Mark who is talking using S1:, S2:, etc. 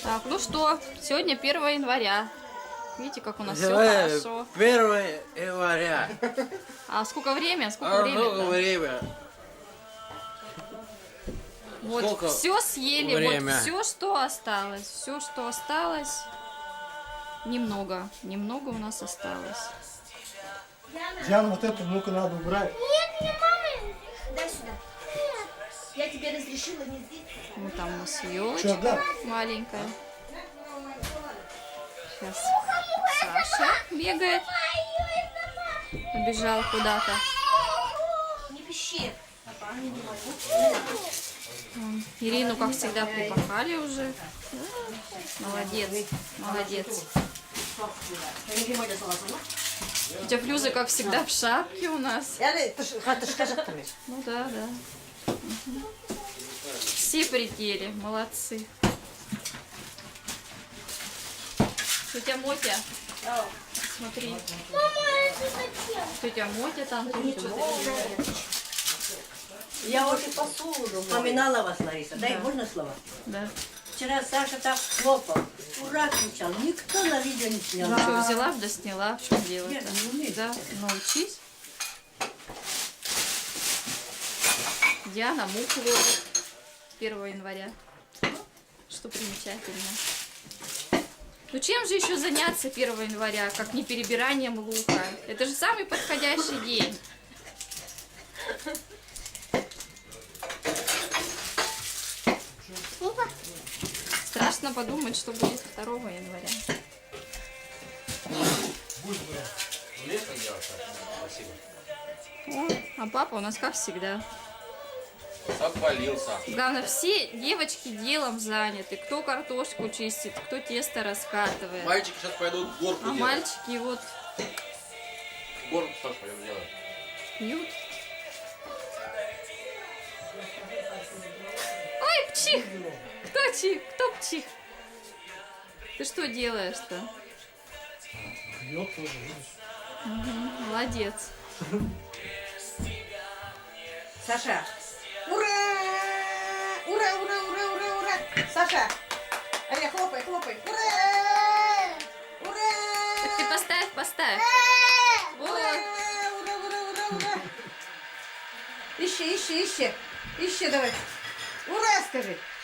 S1: Так, ну что, сегодня 1 января. Видите, как у нас все
S2: Давай,
S1: хорошо.
S2: 1 января.
S1: А сколько время? Сколько
S2: А
S1: время?
S2: сколько время?
S1: Вот
S2: Сколько
S1: все съели,
S2: время?
S1: вот все, что осталось. Все, что осталось. Немного. Немного у нас осталось.
S3: Диана, вот эту муку надо убрать.
S4: Нет, не мама. Дай сюда. Нет. Я тебе разрешила не здесь.
S1: Вот там у нас
S3: Что,
S1: елочка
S3: да?
S1: маленькая. Сейчас Саша бегает. Побежал куда-то.
S4: Не пищи.
S1: Ирину, как всегда, припахали уже. Молодец, молодец. Тетя Флюза, как всегда, в шапке у нас. Ну да, да. Мгм. Все прители, молодцы. Тетя Мотя, смотри. Тетя Мотя там что-то.
S5: Я уже посуду поминала вас, Лариса. Дай, можно слово?
S1: Да.
S5: Вчера Саша так хлопал, ура кричал. Никто на видео не снял.
S1: Ну что, взяла, да сняла. В чем дело-то?
S5: Я не умею.
S1: Да, научись. Диана муку ложит 1 января. Что примечательно. Ну чем же еще заняться 1 января, как не перебиранием лука? Это же самый подходящий день. Страшно подумать, что будет 2 января. О, а папа у нас как всегда.
S6: Обвалился.
S1: Главное, все девочки делом заняты. Кто картошку чистит, кто тесто раскатывает.
S6: Мальчики сейчас пойдут горку
S1: А
S6: делать.
S1: мальчики вот
S6: Горку тоже пойдем делать.
S1: пьют. Ой, пчих! Кто чих? Кто пчих? Ты что делаешь-то?
S3: Пьет тоже, видишь.
S1: Молодец.
S5: Саша, ура! Ура, ура, ура, ура, ура! Саша, Аля, хлопай, хлопай. Ура! Ура!
S1: Так ты поставь, поставь. Вот.
S5: Ура, ура, ура, ура! Ищи, ищи, ищи. Ищи давай. Ура, скажи.